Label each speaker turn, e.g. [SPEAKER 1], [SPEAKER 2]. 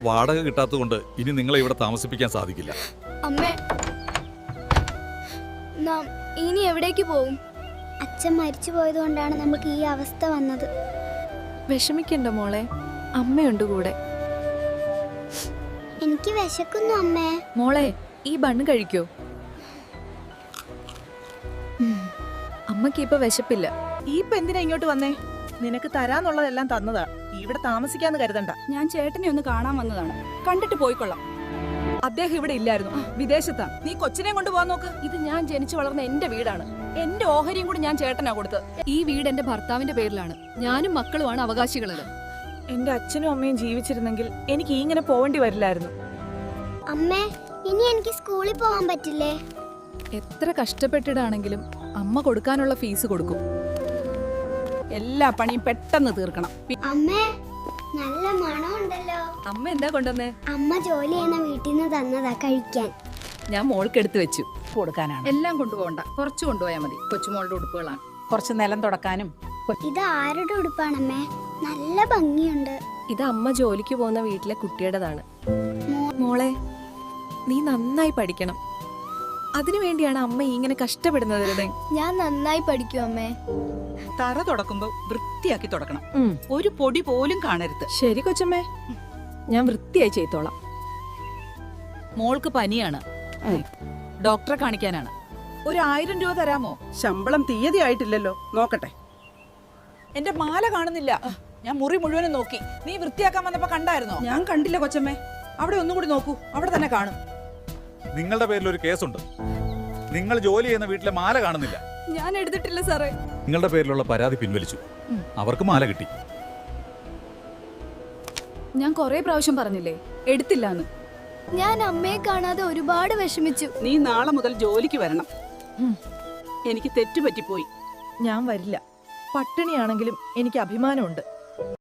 [SPEAKER 1] വാടക കിട്ടാത്തതുകൊണ്ട് ഇനി നിങ്ങളെ ഇവിടെ താമസിപ്പിക്കാൻ സാധിക്കില്ല.
[SPEAKER 2] അമ്മേ, നാം ഇനി എവിടേക്ക് പോകും?
[SPEAKER 3] അച്ഛൻ മരിച്ചു പോയതുകൊണ്ടാണ് നമുക്ക് ഈ അവസ്ഥ വന്നത്.
[SPEAKER 4] വിഷമിക്കണ്ട മോളെ, അമ്മയുണ്ട് കൂടെ.
[SPEAKER 3] എനിക്ക് വിശക്കുന്നു അമ്മേ.
[SPEAKER 4] മോളെ, ഈ ബണ്ണ് കഴിക്കോ? അമ്മക്ക് ഇപ്പൊ വിശപ്പില്ല.
[SPEAKER 5] ഈ എന്തിനാ ഇങ്ങോട്ട് വന്നേ? നിനക്ക് തരാന്നുള്ളതെല്ലാം തന്നതാ. ഇവിടെ താമസിക്കാന്ന് കരുതണ്ട.
[SPEAKER 6] ഞാൻ ചേട്ടനെ ഒന്ന് കാണാൻ വന്നതാണ്. കണ്ടിട്ട് പോയിക്കൊള്ളാം. അദ്ദേഹം ഇവിടെ ഇല്ലായിരുന്നു, വിദേശത്താ. നീ കൊച്ചിനെ കൊണ്ട് പോകാൻ നോക്ക്. ഇത് ഞാൻ ജനിച്ചു വളർന്ന എന്റെ വീടാണ്. എന്റെ ഓഹരിയും കൂടി ഞാൻ ചേട്ടനാ കൊടുത്തത്.
[SPEAKER 7] ഈ വീട് എന്റെ ഭർത്താവിന്റെ പേരിലാണ്. ഞാനും മക്കളുമാണ് അവകാശികളത്.
[SPEAKER 5] എന്റെ അച്ഛനും അമ്മയും ജീവിച്ചിരുന്നെങ്കിൽ എനിക്ക് ഇങ്ങനെ പോവേണ്ടി വരില്ലായിരുന്നു.
[SPEAKER 3] അമ്മേ, ഇനി എനിക്ക് സ്കൂളിൽ പോകാൻ പറ്റില്ലേ?
[SPEAKER 4] എത്ര കഷ്ടപ്പെട്ടിട്ടാണെങ്കിലും അമ്മ കൊടുക്കാനുള്ള ഫീസ് കൊടുക്കും.
[SPEAKER 6] എല്ലാ പണിയും പെട്ടെന്ന് തീർക്കണം.
[SPEAKER 3] അമ്മേ, നല്ല മണമുണ്ടല്ലോ.
[SPEAKER 4] അമ്മ എന്താ കൊണ്ടുവന്നേ?
[SPEAKER 3] അമ്മ ജോലി ചെയ്യുന്ന വീട്ടിൽ നിന്ന് തന്നതാ കഴിക്കാൻ.
[SPEAKER 4] ഞാൻ മോൾക്ക് എടുത്തു വെച്ചു.
[SPEAKER 6] കൊടുക്കാനാണ്.
[SPEAKER 7] എല്ലാം കൊണ്ടുപോകണ്ട, കുറച്ച് കൊണ്ടുപോയാൽ മതി. കൊച്ചുമോളുടെ ഉടുപ്പുകളാണ്.
[SPEAKER 6] കുറച്ച് നിലം തുടക്കാനും.
[SPEAKER 3] ഇത് ആരുടെ ഉടുപ്പാണമ്മേ? നല്ല ഭംഗിയുണ്ട്.
[SPEAKER 4] ഇത് അമ്മ ജോലിക്ക് പോകുന്ന വീട്ടിലെ കുട്ടിയുടേതാണ്. മോളെ, നീ നന്നായി പഠിക്കണം. അതിനുവേണ്ടിയാണ് അമ്മ ഇങ്ങനെ കഷ്ടപ്പെടുന്നത്.
[SPEAKER 2] ഞാൻ നന്നായി പഠിക്കും അമ്മേ.
[SPEAKER 5] തറ തുടക്കുമ്പോ വൃത്തിയാക്കി തുടക്കണം. ഒരു പൊടി പോലും കാണരുത്.
[SPEAKER 4] ശരി കൊച്ചമ്മേ, ഞാൻ വൃത്തിയായി ചെയ്തോളാം.
[SPEAKER 5] മോൾക്ക് പനിയാണ്, ഡോക്ടറെ കാണിക്കാനാണ്. 1000 രൂപ തരാമോ?
[SPEAKER 8] ശമ്പളം തീയതി ആയിട്ടില്ലല്ലോ, നോക്കട്ടെ.
[SPEAKER 5] എന്റെ മാല കാണുന്നില്ല. ഞാൻ മുറി മുഴുവനും നോക്കി. നീ വൃത്തിയാക്കാൻ വന്നപ്പോ കണ്ടായിരുന്നോ?
[SPEAKER 8] ഞാൻ കണ്ടില്ല കൊച്ചമ്മേ.
[SPEAKER 5] അവിടെ ഒന്നും കൂടി നോക്കൂ, അവിടെ തന്നെ കാണും.
[SPEAKER 1] നിങ്ങളുടെ പേരിൽ ഒരു കേസുണ്ട്. നിങ്ങൾ ജോലി ചെയ്യുന്ന വീട്ടിലെ മാല കാണുന്നില്ല.
[SPEAKER 7] ഞാൻ എടുത്തിട്ടില്ല സാറേ.
[SPEAKER 1] നിങ്ങളുടെ പേരിലുള്ള പരാതി പിൻവലിച്ചു. അവർക്ക് മാല കിട്ടി.
[SPEAKER 7] ഞാൻ കൊറേ പ്രാവശ്യം പറഞ്ഞില്ലേ, എടുത്തില്ലാന്ന്.
[SPEAKER 2] ഞാൻ അമ്മയെ കാണാതെ ഒരുപാട് വിഷമിച്ചു.
[SPEAKER 8] നീ നാളെ മുതൽ ജോലിക്ക് വരണം. എനിക്ക് തെറ്റുപറ്റിപ്പോയി.
[SPEAKER 5] ഞാൻ വരില്ല. പട്ടിണിയാണെങ്കിലും എനിക്ക് അഭിമാനമുണ്ട്.